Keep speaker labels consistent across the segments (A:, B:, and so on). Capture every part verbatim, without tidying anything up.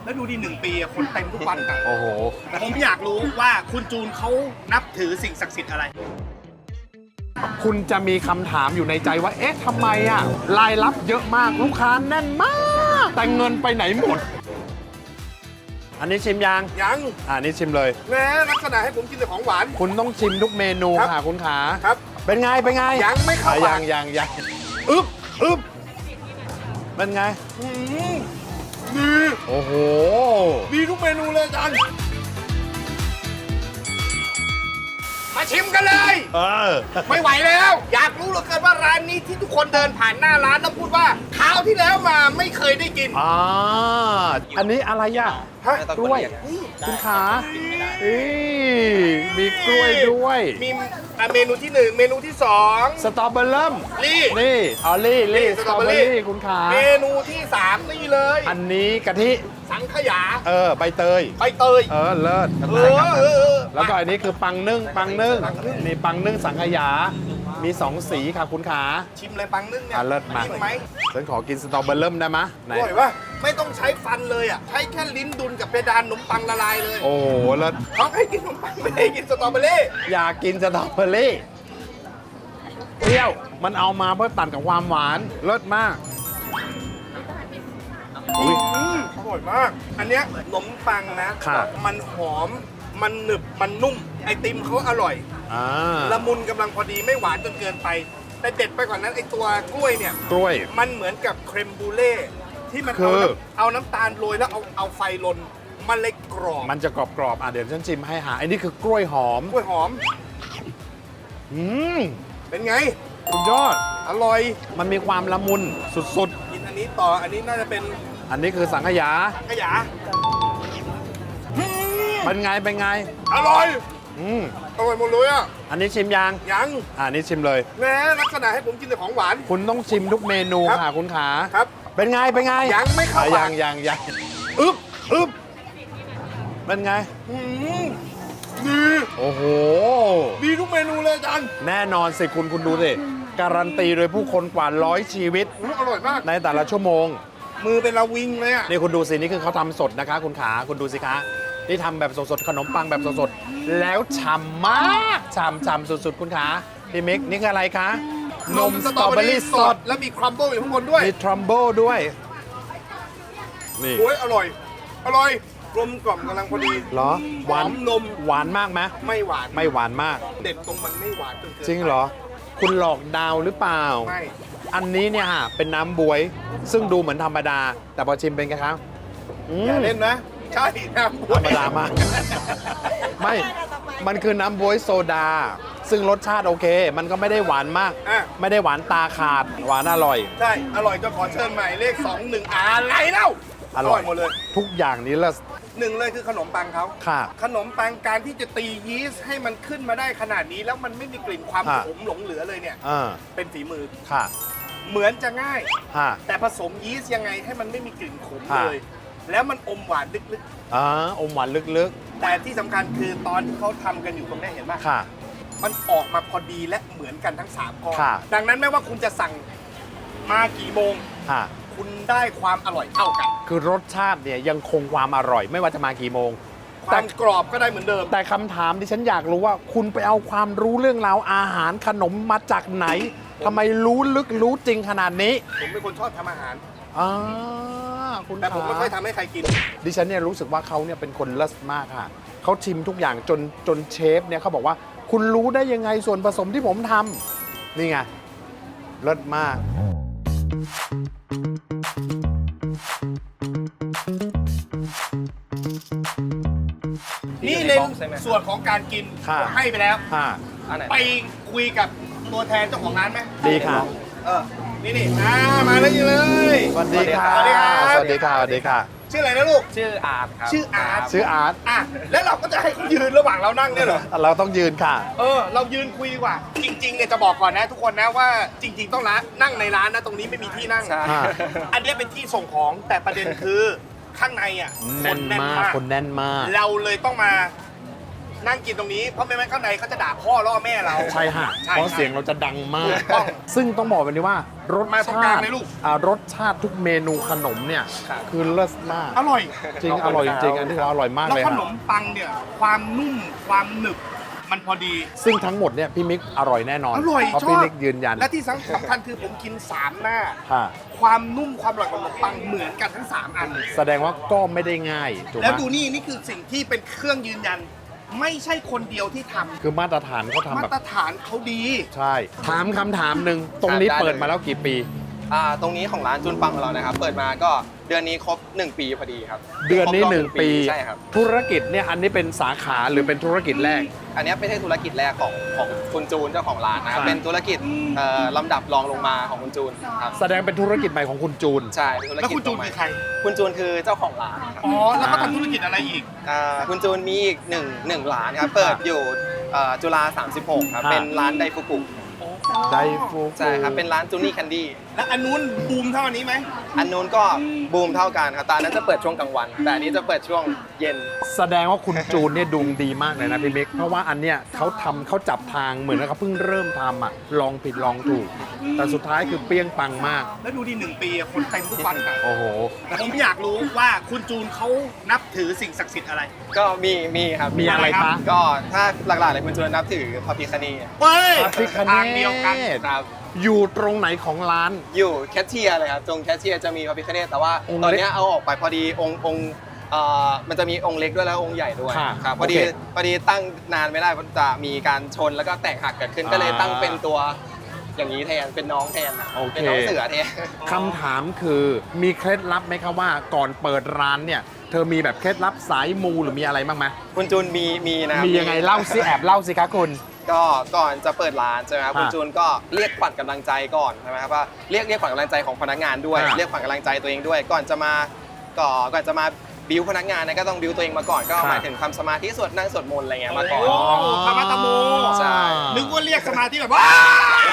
A: แล้วดูดิหนึ่งปีอะคนเต็มทุกวันอะ
B: โอ้โห
A: ผมอยากรู้ว่าคุณจูนเขานับถือสิ่งศักดิ์สิทธิ์อะไร
B: คุณจะมีคำถามอยู่ในใจว่า เอ๊ะทำไมอ่ะรายรับเยอะมากลูกค้าแน่นมาก แต่เงินไปไหนหมด อันนี้ชิมยัง
A: ยัง
B: อ่านี่ชิมเลย
A: แม้ลักษณะให้ผมกินแต่ของหวาน
B: คุณต้องชิมทุกเมนู
A: ครับ
B: ค่ะคุณขา
A: ครับ
B: เป็นไง เป็นไง
A: ยังไม่เข้า
B: อ่ะ
A: ปาก
B: ยังยังยังอึ๊บอึ๊บเป็นไง
A: อืมดี
B: โอ้โห
A: ดีทุกเมนูเลยอาจารย์มาชิมกันเลย
B: เออ
A: ไม่ไหวแล้ว อยากรู้เหลือเกินว่าร้านนี้ที่ทุกคนเดินผ่านหน้าร้านแล้วพูดว่าคราวที่แล้วมาไม่เคยได้กิน
B: อ่า อันนี้อะไรอ่ะ
A: ฮะ
B: กล้วย คุณขาอีมีกล้วยด้วย
A: มีอ่ะเมนูที่หนึ่งเมนูที่สอง
B: สตรอเบอร์เริ่ม
A: นี่
B: นี่ออลลี่
A: นี่
B: ลี่
A: ส
B: ส
A: ต
B: ต
A: ร
B: ร
A: อ
B: อ
A: เบ
B: เบ
A: อ
B: อ
A: ร์รี่
B: ร์รี่คุณขา
A: เมนูที่สามนี่เลย
B: อันนี้กะทิ
A: สังขยา
B: เออ ใบเตย
A: ใบเตย
B: เออ เลิศ
A: เออเออเออ
B: แล้วก็อันนี้คือปังนึ่ง ปังนึ่ง นี่ปังนึ่งสังขยา มีสองสีค่ะคุณขา
A: ชิมเลยปังนึ่งเนี่ย
B: อ่ะเลิศมาก
A: ชิมไหม
B: ฉันขอกินสตรอเบอร์เริ่มได้ไหมยไหน
A: อร่อยปะไม่ต้องใช้ฟันเลยอ่ะใช้แค่ลิ้นดุลกับเพดานขนมปังละลายเลย
B: โอ้โห เลิศ
A: เขาให้กินขนมปังไม่ได้กินสตรอเบอรี่
B: อยากกินสตรอเบอร์รี่เปรี้ยว มันเอามาเพื่อตัดกับความหวาน เลิศมาก อุ๊ย
A: อืมอร่อยมาก อันเนี้ยขนมปังนะ
B: ค่ะ
A: มันหอมมันหนึบมันนุ่ม ไอติมเขาอร่อย
B: อ่า
A: ละมุนกำลังพอดีไม่หวานจนเกินไป แต่เด็ดไปกว่านั้นไอตัวกล้วยเนี่ย
B: กล้วย
A: มันเหมือนกับเครมบูเล่ที่มัน
B: คื
A: เอา
B: อ
A: น้ำเอาน้ำตาลโรยแล้วเอาเอาไฟลน มันเลยกรอบ
B: มันจะกรอบๆ อ่ะเดี๋ยวฉันชิมให้หาอันนี้คือกล้วยหอม
A: กล้วยหอม
B: อืม
A: เป็นไง
B: สุดยอด
A: อร่อย
B: มันมีความละมุนสุด
A: กินอันนี้ต่ออันนี้น่าจะเป็น
B: ๆ อันนี้คือสังขยา
A: ขยะอืม
B: เป็นไง เป็นไง
A: อร่อย
B: อืม
A: อร่อยหมดเลยอ่ะ
B: อันนี้ชิมยัง
A: ยัง
B: อ่านี่ชิมเลย
A: แม้ลักษณะให้ผมกินแต่ของหวาน
B: คุณต้องชิมทุกเมนู
A: ครับ
B: ค่ะคุณขา
A: ครับ
B: เป็นไง เป็นไง
A: ยังไม่เข้า
B: อ่ะ
A: ปาก
B: ยังยังยังอึ๊บอึ๊บเป็นไง
A: อืมดี
B: โอ้โห
A: ดีทุกเมนูเลยอาจารย์
B: แน่นอนสิคุณคุณดูสิ การันตีโดยผู้คนกว่าร้อยชีวิต
A: อืมอร่อยมาก
B: ในแต่ละชั่วโมง
A: มือเป็นระวิงเลยอ่ะ
B: นี่คุณดูสิ นี่คือเขาทำสดนะคะ คุณขา คุณดูสิคะ นี่ทำแบบสดๆ ขนมปังแบบสดๆ แล้วฉ่ำมากฉ่ำฉ่ำสุดๆ คุณขาพี่มิก นี่คืออะไรคะ นมสตรอเบอรี่สด
A: แล้วมีครัมเบิลอยู่ข้างบนด้วย
B: มีทรัมเบิลด้วย นี่
A: โอ้ยอร่อย อร่อยกลมกล่อมกำลังพอดี
B: เหรอ หวาน
A: หอมนม
B: หวานมากไหม
A: ไม่หวาน
B: ไม่หวานมาก
A: เด็ดตรงมันไม่หวานจนเกิน
B: จริงเหรอ คุณหลอกดาวหรือเปล่า
A: ไม่
B: อันนี้เนี่ยฮะเป็นน้ำบวย ซึ่งดูเหมือนธรรมดา แต่พอชิมเป็นไงครับอืม
A: อย่าเล่นนะ ใช่นะ
B: ธรรมดามาก ไม่ มันคือน้ำบวยโซดา ซึ่งรสชาติโอเค มันก็ไม่ได้หวานมาก
A: อ่ะ
B: ไม่ได้หวานตาขาด หวานอร่อย
A: ใช่ อร่อยก็ขอเชิญใหม่เลขสองหนึ่งอะไรเล่า
B: อร่อย
A: หมดเลย
B: ทุกอย่างนี้ละ
A: หนึ่งเลยคือขนมปังเขา
B: ค่ะ
A: ขนมปังการที่จะตียีสต์ให้มันขึ้นมาได้ขนาดนี้ แล้วมันไม่มีกลิ่นความ
B: อ่ะ
A: ขมหลงเหลือเลยเนี่ย
B: อ่า
A: เป็นฝีมือ
B: ค่ะ
A: เหมือนจะง่าย
B: ค่ะ
A: แต่ผสมยีสต์ยังไงให้มันไม่มีกลิ่นขม
B: อ่ะ
A: เลย แล้วมันอมหวานลึก
B: อ่าอมหวานลึก
A: ๆ แต่ที่สำคัญคือตอนที่เขาทำกันอยู่ตรงนี้เห็นไหม
B: ๆ ค่ะ
A: มันออกมาพอดีและเหมือนกันทั้งสามก้อน
B: ค่ะ
A: ดังนั้นไม่ว่าคุณจะสั่งมากี่โมง
B: ค่ะ
A: คุณได้ความอร่อยเท่ากัน
B: คือรสชาติเนี่ยยังคงความอร่อย ไม่ว่าจะมากี่โมง
A: ความกรอบก็ได้เหมือนเดิม
B: แต่คำถามที่ฉันอยากรู้ว่า คุณไปเอาความรู้เรื่องราวอาหารขนมมาจากไหนทำไมรู้ลึกรู้จริงขนาดนี้
A: ผมเป็นคนชอบทำอาหาร
B: อ่าคุณ
A: แต่ผมไม่ค่อย
B: ขา
A: ทำให้ใครกิน
B: ดิฉันเนี่ยรู้สึกว่าเขาเนี่ยเป็นคนเลิศมากค่ะเขาชิมทุกอย่างจนจนเชฟเนี่ยเขาบอกว่า คุณรู้ได้ยังไงส่วนผสมที่ผมทำนี่ไงเลิศมาก
A: นี่ในส่วนของการกิน
B: ค่ะ
A: ให้ไปแล้ว
B: ค่ะ
A: ไปคุยกับตัวแทนเจ้าของร้านไหม
B: ดีค่ะ
A: เออ นี่นี่อ่ามาแล้วนี่เลย
B: สวัสดีค่ะ
A: สวัสดีครับ
B: สวัสดีค่ะสวัสดีค่ะ
A: ชื่ออะไรนะลูก
C: ชื่ออาร์ตครับ
A: ชื่ออาร์ต
B: ชื่ออาร์ต
A: อ่ะ แล้วเราก็จะให้เขายืนระหว่างเรานั่งเนี่ยเหรอ
B: เราต้องยืนค่ะ
A: เออ เรายืนคุยดีกว่า จริงๆเนี่ยจะบอกก่อนนะทุกคนนะว่าจริง ๆ ต้องร้านนั่งในร้านนะตรงนี้ไม่มีที่นั่ง
C: ใช่
B: อ่า
A: อันนี้เป็นที่ส่งของแต่ประเด็นคือข้างในอ่ะ
B: แน่นมากคนแน่นมาก
A: เราเลยต้องมานั่งกินตรงนี้เพราะไม่งั้นข้างในเขาจะด่าพ่อล่อแม่เรา
B: ใช่ฮะ
A: ใช่
B: เพราะเสียงเราจะดังมาก
A: ถูกต้อง
B: ซึ่งต้องบอกแบบนี้ว่า รรส
A: มาตรงกลา
B: ชาง ติ
A: เลยลูก
B: อ่ารสชาติทุกเมนูขนมเนี่ยคือเลิศมาก
A: อร่อย
B: จริงอร่อยจริงอันนี้อร่อยมาก
A: แล้ว
B: เลย
A: ข
B: ฮะ
A: นมปังเนี่ยความนุ่มความหนึบมันพอดี
B: ซึ่งทั้งหมดเนี่ยพี่มิกอร่อยแน่นอน
A: อร่อย
B: เพราะ
A: ชอบ
B: พี่มิกยืนยัน
A: และที่สำคัญคือผมกินสามหน้า
B: ค่ะ
A: ความนุ่มความอร่อยของขนมปังเหมือนกันทั้งสามอัน
B: แสดงว่าก็ไม่ได้ง่ายถูกไห
A: แล้ว
B: ม
A: ดูนี่นี่คือสิ่งที่เป็นเครื่องยืนยัน ไม่ใช่คนเดียวที่ทำ
B: คือมาตรฐานเขาทำ
A: มา
B: แบบ
A: ตรฐานเขาดี
B: ใช่ ถามคำถามหนึ่งตรงนี้
C: ได้เลย
B: เปิดมาแล้วกี่ปี
C: อ่าตรงนี้ของร้านจุนปังของเรานะครับ เปิดมาก็เดือนนี้ครบหนึ่งปีพอดีครับ
B: เดือนนี้
C: ครบรบ
B: หนึ่งปี
C: ใช่ครับ
B: ธุรกิจเนี่ยอันนี้เป็นสาขาหรือเป็นธุรกิจแรก
C: อันนี้ไม่ใช่ธุรกิจแรกของของคุณจูนเจ้าของร้านนะครับ
B: ใช่
C: เป็นธุรกิจเอ่อลำดับรองลงมาของคุณจูนครับ
B: แสดงเป็นธุรกิจใหม่ของคุณจูน
C: ใช่เป็นธุร
A: แล้ว
C: กิจ
A: คุณจูน
C: ตัวใหม่
A: คือใคร
C: คุณจูนคือเจ้าของร้านครับ
A: อ๋อ แล้วก็ทำธุรกิจอะไรอีก
C: อ่าคุณจูนมีอีกหนึ่งหนึ่งร้านครับ เปิดอยู่เอ่อจุฬาสามสิบหกครับ
B: ครับ
C: เป็นร้านไดฟุกุ
B: ไดฟู
C: ใช่ครับ เป็นร้านจูนี่แคนดี้
A: แล้วอันนู้นบูมเท่าอันนี้ไหม
C: อันนู้นก็บูมเท่ากันครับแต่อันนั้นจะเปิดช่วงกลางวัน แต่อันนี้จะเปิดช่วงเย็น
B: แสดงว่าคุณจูนเนี่ยดวงดีมากเลยนะพี่มิกเพราะว่าอันเนี้ยเขาทำเขาจับทางเหมือนกับเขาเพิ่งเริ่มทำอ่ะลองผิดลองถูก แต่สุดท้ายคือเปรี้ยงปังมาก
A: แล้วดูดิหนึ่งปีอะคนเต็มทุกวันอะ
B: โอ้โห
A: ผมอยากรู้ว่าคุณจูนเขานับถือสิ่งศักดิ์สิทธิ์อะไร
C: ก็มีมีครับ
B: มีอะไรคะ
C: ก็ถ้าหลักๆเลยคุณจูนนับถือพระพิคเนศ
A: เฮ้ย
B: พระพิฆเนศ
A: ทางเดียวกัน
C: ครับ
B: อยู่ตรงไหนของร้าน
C: อยู่แคชเชียร์เลยครับตรงแคชเชียร์จะมีพระพิคเนศแต่ว่า
B: องค์
C: ตอน
B: เล็ก
C: เนี้ยเอาออกไปพอดีองค์องค์เอ่อมันจะมีองค์เล็กด้วยแล้วองค์ใหญ่ด้วย
B: ค่ะ
C: ครับพอดี
B: โอเค
C: พอดีตั้งนานไม่ได้เพราะจะมีการชนแล้วก็แตกหักเกิดขึ้น
B: อ่า
C: ก็เลยตั้งเป็นตัวอย่างนี้แทนเป็นน้องแทน
B: โอเค
C: เป็นน้องเสือแทน
B: คำถามคือมีเคล็ดลับไหมครับว่าก่อนเปิดร้านเนี่ย เธอมีแบบเคล็ดลับสายมูหรือมีอะไรบ้างไหม
C: คุณจูนมีมีนะ
B: มียังไงเล่าสิแอบเล่าสิคะคุณ
C: ก็ก่อนจะเปิดร้านใช่ไหมครับ
B: อ่า
C: คุณจูนก็เรียกขวัญกำลังใจก่อนใช่ไหมครับว่าเรียกเรียกขวัญกำลังใจของพนักงานด้วย
B: อ่า
C: เรียกขวัญกำลังใจตัวเองด้วย ก่อนจะมาก่อนก่อนจะมาบิวพนักงานเนยก็ต้องบิวตัวเองมาก่อนก็หมายถึงทำสมาธิสวดนั่งสวดมนต์อะไรเงี้ยมาก่อน
A: โอ้ธรรมะตะโม
C: ใช่
A: นึกว่าเรียกสมาธิแบบว้าย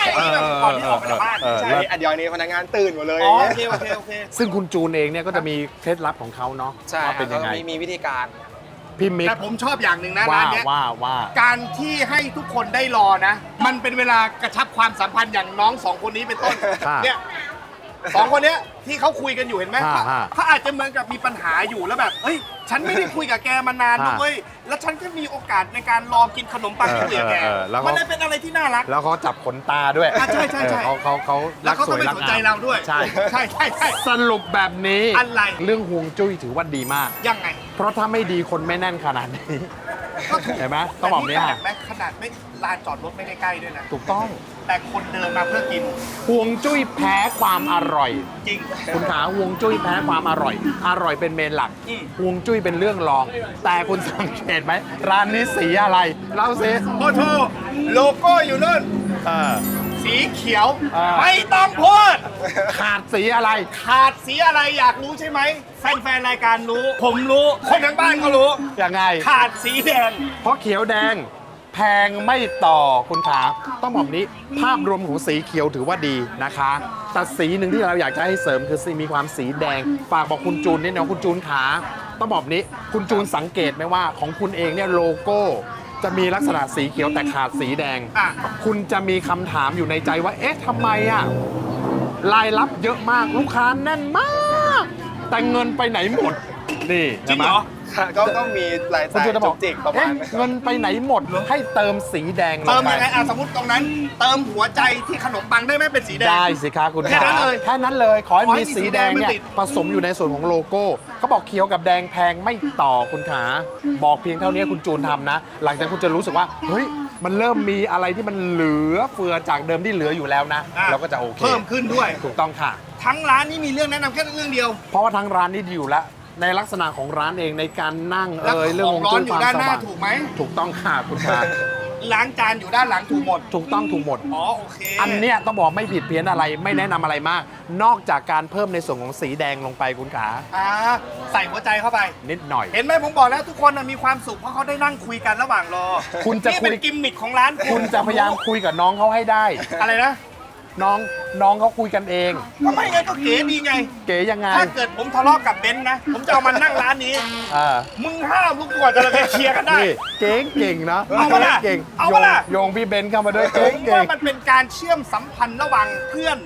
B: เออ
A: แบบก่อนที่ออกไปจากบ้าน
B: เออ
A: ใช่
C: ใช่อันเดียวนี้พนักงานตื่นหมดเลย
A: อ๋อโอเคโอเคโอเค
B: ซึ่งคุณจูนเองเนี่ยก็จะมีเคล็ดลับของเขาเนาะ
C: ใช่
B: ว่า
C: ครั
B: เป็
C: บ
B: น
C: แล้
B: ยั
C: ว
B: ง
C: ก็
B: ไง
C: มีมีวิธีการ
B: พี่มิก
A: แต่ผมชอบอย่างหนึ่งนะ
B: ว่า
A: ร้านเนี้ย
B: ว่าว่า
A: การที่ให้ทุกคนได้รอนะ มันเป็นเวลากระชับความสัมพันธ์อย่างน้องสองคนนี้เป็นต้น
B: ค่ะ
A: เนี่ยสองคนเนี้ยที่เขาคุยกันอยู่เห็นไหม
B: ค่ะค่ะ
A: เขาอาจจะเหมือนกับมีปัญหาอยู่แล้วแบบเฮ้ยฉันไม่ได้คุยกับแกมานานนะ
B: ค่ะ
A: เว้ยแล้วฉันก็มีโอกาสในการรอกินขนมปังที่คุยกับแก
B: เออเออแล้วเขา
A: มันเลยเป็นอะไรที่น่ารัก
B: แล้วเขาจับขนตาด้วย
A: อ่ะใช่ใช่ใช่
B: เออเขาเขาเขา
A: แล้วเขา
B: ส
A: ก็
B: วย
A: ไม่
B: รัก
A: สน
B: งาม
A: ใจเราด้วย
B: ใช่
A: ใช่ใช่ใช่
B: สรุปแบบนี้
A: อะไร
B: เรื่องห่วงจุ้ยถือว่าดีมาก
A: ยังไง
B: เพราะถ้าไม่ดีคนไม่แน่นขนาดนี้
A: ก็ถูก
B: เห็นไหมต้องบอกเนี้ย
A: แต่นี่ขนาดแม้ขนาดไม่ลานจอดรถไม่ได้ใกล้ด้วยนะ
B: ถูกต้อง
A: แต่คนเดินมาเพื่อกิน
B: ห่วงจุ้ยแพ้ความอร่อย
A: จริง
B: คุณขาห่วงจุ้ยแพ้ความอร่อย อร่อยเป็นเมนหลัก
A: อืม
B: ห่วงจุ้ยเป็นเรื่องรอง แต่คุณสังเกตไหมร้านนี้สีอะไรเล่าสิ
A: โอ้โหโลโก้อยู่นู่น
B: เออ
A: สีเขียว
B: อ่า
A: ไม่ต้องพูด
B: ขาดสีอะไร
A: ขาดสีอะไรอยากรู้ใช่ไหมแฟนๆรายการรู้ ผมรู้ คนทั้งบ้านก็รู้
B: ยังไง
A: ขาดสีแดง
B: เพราะเขียวแดงแพงไม่ต่อคุณขาต้องบอกนี้ภาพรวมของสีเขียวถือว่าดีนะคะแต่สีหนึ่งที่เราอยากจะให้เสริมคือสีมีความสีแดง ฝากบอกคุณจูนนิดนึงคุณจูนขาต้องบอกนี้คุณจูนสังเกตไหมว่าของคุณเองเนี่ยโลโก้ จะมีลักษณะสีเขียวแต่ขาดสีแดง
A: อ่ะ
B: คุณจะมีคำถามอยู่ในใจว่า เอ๊ะทำไมอ่ะรายรับเยอะมากลูกค้าแน่นมาก แต่เงินไปไหนหมดนี่
A: จริงเหรอ
C: ก็ก็มีราย
B: คุณ
C: จ่าย
B: จูนจะบ
C: จุ
B: อก
C: กจิกประมา
B: เอ๊ะ
C: ณนั้น
B: เงินไปไหนหมดให้เติมสีแดงล
A: เติ
B: ง
A: ม
B: ไป
A: ยังไงอ่ะสมมติตรงนั้น เติมหัวใจที่ขนมปังได้ไหมเป็นสีแดง
B: ได้สิคะคุณ
A: แค่นั้นเลย
B: แค่นั้นเลย ขอให้
A: ขอให้
B: มี
A: มี
B: สีแดงเนี่ย
A: สีแดงมันติด
B: ผสมอยู่ในส่วนของโลโก้เขาบอกเขียวกับแดงแพงไม่ต่อคุณขา บอกเพียงเท่านี้คุณจูนทำนะ หลังจากคุณจะรู้สึกว่า เฮ้ย มันเริ่มมีอะไรที่มันเหลือเฟือจากเดิมที่เหลืออยู่แล้วนะ
A: อ่ะ
B: เราก็จะโอเค
A: เพิ่มขึ้นด้วย
B: ถูกต้องค่ะ
A: ทั้งร้านนี้มีเรื่องแนะนำแค่เรื่องเดียว
B: เพราะว่าทั้งร้านนี้ดีอยู่แล้ว ในลักษณะของร้านเองในการนั่ง
A: แล้ว
B: เอ่ยเรื่อง
A: ข
B: ข
A: อ
B: อง ง
A: ร้อน
B: จุ้ย
A: อ
B: ควา
A: ยู่
B: ม
A: ด้านหน้า
B: สว่าง
A: ถูกไหม
B: ถูกต้องค่ะคุณขา
A: ล้างจานอยู่ด้านหลังถูกหมด
B: ถูกต้องถูกหมด
A: อ๋อโอเค
B: อันเนี้ยต้องบอกไม่ผิดเพี้ยนอะไรไม่แนะนำอะไรมาก นอกจากการเพิ่มในส่วนของสีแดงลงไปคุณขา
A: อ่าใส่หัวใจเข้าไป
B: นิดหน่อย
A: เห็นไหมผมบอกแล้วทุกคนน่ะมีความสุขเพราะเขาได้นั่งคุยกันระหว่างรอ
B: คุณจะ
A: นี่
B: คุย
A: เป็นกิมมิคของร้าน
B: คุณจะพยายามคุยกับน้องเขาให้ได้
A: อะไรนะ
B: น้องน้องเขาคุยกันเอง
A: ก็ไม่ไงก็เก๋ดีไง
B: เก๋ยังไง
A: ถ้าเกิดผมทะเลาะกับเบนซ์นะ ผมจะเอามันนั่งร้านนี้
B: เออ
A: มึงห้ามลูกกว่าจะเราไปเคลียร์กันได้
B: นี่เก่งเก่งนะ
A: เอาปะล่ะ
B: เก่ง
A: เอา
B: โย
A: ปะ
B: ง
A: ล่ะ
B: โยงพี่เบนซ์เข้ามาด้วย
A: ผ
B: เก่ง
A: ม
B: เก่
A: ว่าง มันเป็นการเชื่อมสัมพันธ์ระหว่างเพื่อน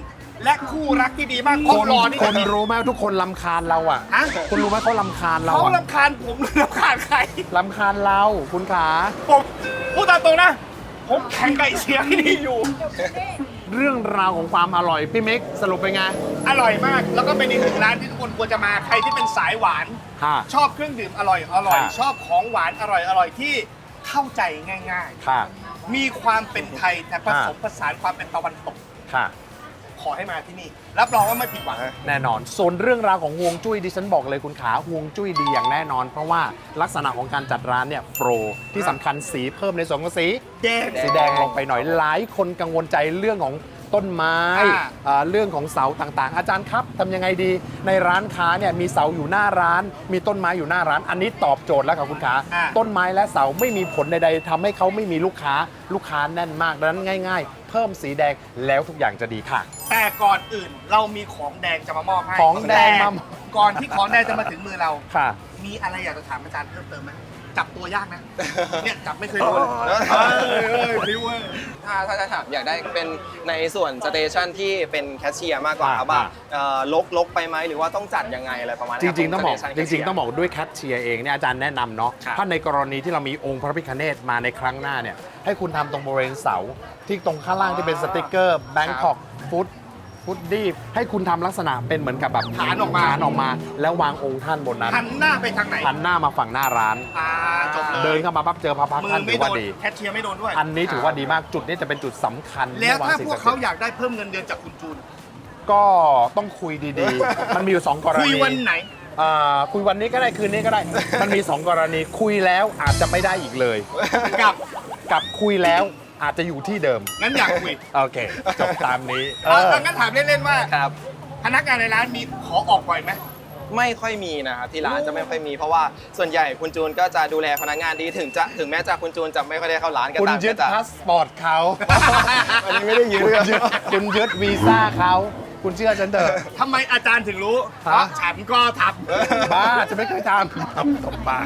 A: และคู่รักที่ดีมาก
B: ค
A: คน
B: น
A: รอนี่
B: คนรู้ไหมทุกคนลำคาญเราอ่ะ
A: ฮะ
B: คุณรู้ไหมเขาลำคาญเรา
A: เขา
B: อะ
A: ลำคาญผมหรือลำคาญใคร
B: ลำคาญเราคุณขา
A: ผมพูดตามตรงนะ ผมแข่งไก่เชียร์ที่นี่อยู่
B: เรื่องราวของความอร่อยพี่มิกสรุปเป็นไง
A: อร่อยมาก แล้วก็เป็นอีกหนึ่งร้านที่ทุกคนควรจะมาใครที่เป็นสายหวาน
B: ค่ะ
A: ชอบเครื่องดื่มอร่อยอร่อย
B: ค่ะ
A: ชอบของหวานอร่อยอร่อยที่เข้าใจง่าย
B: ค่ะ
A: ๆ มีความเป็นไทยแต่ผสมผสานความเป็นตะวันตก
B: ค่ะ
A: ขอให้มาที่นี่ รับรองว่าไม่ผิดหวัง
B: แน่นอน ส่วนเรื่องราวของฮวงจุ้ยดิฉันบอกเลยคุณขาฮวงจุ้ยดีอย่างแน่นอน เพราะว่าลักษณะของการจัดร้านเนี่ยโปรที่สำคัญสีเพิ่มในส่วนของสี
A: แดง
B: สีแดงลงไปหน่อยหลายคนกังวลใจเรื่องของต้นไม้
A: อ่า
B: อ่าเรื่องของเสาต่างๆ อาจารย์ครับทำยังไงดีในร้านค้าเนี่ยมีเสาอยู่หน้าร้าน มีต้นไม้อยู่หน้าร้าน อันนี้ตอบโจทย์แล้วครับคุณขา
A: อ่า
B: ต้นไม้และเสาไม่มีผลใดๆทำให้เขาไม่มีลูกค้าลูกค้าแน่นมากดังนั้นง่าย ๆ เพิ่มสีแดงแล้วทุกอย่างจะดีค่ะ
A: แต่ก่อนอื่นเรามีของแดงจะมามอบให้
B: ของแดงมา
A: ต่ก่อนที่ของแดงจะมาถึงมือเรา
B: ค่ะ
A: มีอะไรอยากจะถามอาจารย์เพิ่มเติมไหมจับตัวยากนะ เนี่ยจับไม่เคยโดนเลย
C: เออ
A: เออเออพิ้วเว้ย
C: ถ้าถ้าจะถามอยากได้เป็นในส่วนสเตชันที่เป็นแคชเชียร์มากกว่าครับว่า
B: อ่า
C: เอ่อลกลกไปไหมหรือว่าต้องจัดยังไงอะไรประมาณ
B: จ
C: นี้
B: ริง ๆ ต้องบอก
C: สเตชัน
B: จริง
C: cashier
B: ๆ ต้องบอกด้วยแคทเชียร์เองเนี่ยอาจารย์แนะนำเนาะ
C: ครับ
B: ถ้าในกรณีที่เรามีองค์พระพิฆเนศมาในครั้งหน้าเนี่ยให้คุณทำตรงบริเวณเสา ที่ตรงข้างล่างที่เป็นสติกเกอร์ Bangkok Food ฟุตดี้ให้คุณทำลักษณะเป็นเหมือนกับแบบ
A: ฐานออกมา
B: ฐานออกมา แล้ววางองค์ท่านบนนั้น
A: หันหน้าไปทางไหน
B: หันหน้ามาฝั่งหน้าร้าน
A: อ่าจบเลย
B: เดินเข้ามาปั๊บเจอพระพักตร์
A: มื
B: ท่า
A: อน
B: ถื
A: ไม่
B: อ
A: โด
B: ว่าน ดี
A: แคชเชียร์ไม่โดนด้วย
B: อันนี้ถือว่าดีมากจุดนี้จะเป็นจุดสำคัญ
A: แล้วถ้า
B: ที่
A: พวก
B: ง
A: เขา
B: ศัดิ์สิทธิ์
A: อยากได้เพิ่มเงินเดือนจากคุณจูน
B: ก็ต้องคุยดีๆ มันมีอยู่สองกรณี
A: คุยวันไหน
B: อ่าคุยวันนี้ก็ได้คืนนี้ก็ได้ มันมี สอง กรณีคุยแล้วอาจจะไม่ได้อีกเลย
A: กับ
B: กับคุยแล้วอาจจะอยู่ที่เดิม
A: งั้นอยากคุย
B: โอเค จบตามนี้เอ
A: เอา
B: อ
A: เอางั้นถามเล่นๆว่า
C: ครับ
A: พนักงานในร้านมีขอออกบ่อยไหม
C: ไม่ค่อยมีนะครับที่ร้านจะไม่ค่อยมีเพราะว่าส่วนใหญ่คุณจูนก็จะดูแลพนักงานดีถึงจะถึงแม้จะคุณจูนจะไม่ค่อยได้เข้าร้านก็
B: คุณ
C: ตาม
B: ยึ
C: ก็
B: ด
C: จะ
B: พาสปอร์ตเขา
C: อันนี้ไม่ได้ยึด
B: คุณยึดคุณยึดวีซ่าเขาคุณเชื่อฉันเถอะ
A: ทำไมอาจารย์ถึงรู้ เพ
B: ฮะ
A: ราะฉันก็ท
B: บ้าจะไม่เคยทำตบปาก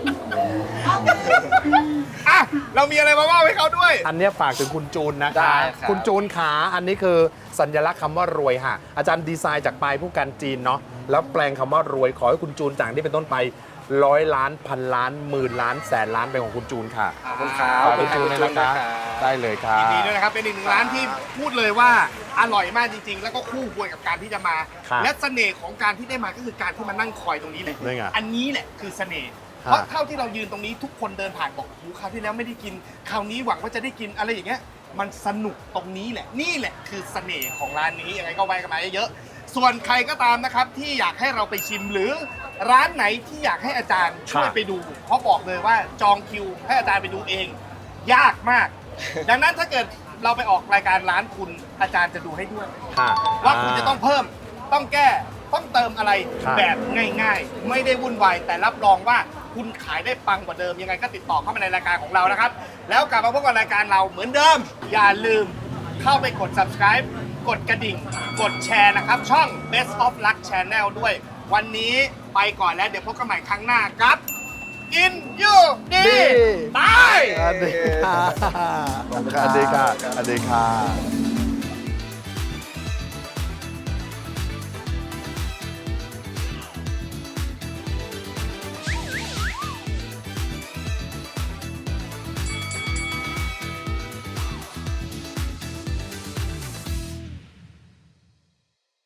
A: ำอ่ะเรามีอะไรมาว่าให้เขาด้วย
B: อันเนี้ยฝากถึงคุณจูนนะ
C: ได้
B: คะ
C: ครับ
B: คุณจูนขาอันนี้คือสัญลักษณ์คำว่ารวยค่ะ อาจารย์ดีไซน์จากปลายผู้กันจีนเนาะแล้วแปลงคำว่ารวยขอให้คุณจูนจากนี้เป็นต้นไปร้อยล้านพันล้านหมื่นล้านแสนล้านเป็นของคุณจูนค่ะ
C: ขอบคุณครับ
B: ขอบคุณจูนเลยนะคะได้เลยค่ะ
A: ยินดีด้วยนะครับ เป็นอีกหนึ่งร้านที่พูดเลยว่าอร่อยมากจริง ๆ แล้วก็คู่ควรกับการที่จะมา
B: ครับ
A: และเสน่ห์ของการที่ได้มาก็คือการที่มานั่งคอยตรงนี้เลย
B: นี่ไง
A: อันนี้แหละคือเสน่ห์
B: ฮะ
A: เพราะเท่าที่เรายืนตรงนี้ทุกคนเดินผ่านบอกโอ้โหคราวที่แล้วไม่ได้กิน คราวนี้หวังว่าจะได้กินอะไรอย่างเงี้ย มันสนุกตรงนี้แหละ นี่แหละคือเสน่ห์ของร้านนี้ยังไงก็ไว้กันมาเยอะๆส่วนใครก็ตามนะครับที่อยากให้เราไปชิมหรือร้านไหนที่อยากให้อาจารย์ช่วยไปดู เพราะบอกเลยว่าจองคิวให้อาจารย์ไปดูเอง ยากมาก ดังนั้นถ้าเกิดเราไปออกรายการร้านคุณอาจารย์จะดูให้ด้วย
B: ค่ะ
A: ว่าคุณจะต้องเพิ่ม ต้องแก้ ต้องเติมอะไร
B: ครับ
A: แบบง่ายๆ ไม่ได้วุ่นวาย แต่รับรองว่าคุณขายได้ปังกว่าเดิม ยังไงก็ติดต่อเข้ามาในรายการของเรานะครับ แล้วกลับมาพบกับรายการเราเหมือนเดิม อย่าลืมเข้าไปกด subscribe กดกระดิ่ง กดแชร์นะครับ ช่อง Best of Luck Channel ด้วย วันนี้ไปก่อนแล้วเดี๋ยวพบกันใหม่ครั้งหน้ากับ In You ดี
B: ดี
A: ตาย
B: สวัสดีค่ะสวัสดีค่ะสวัสดีค่ะ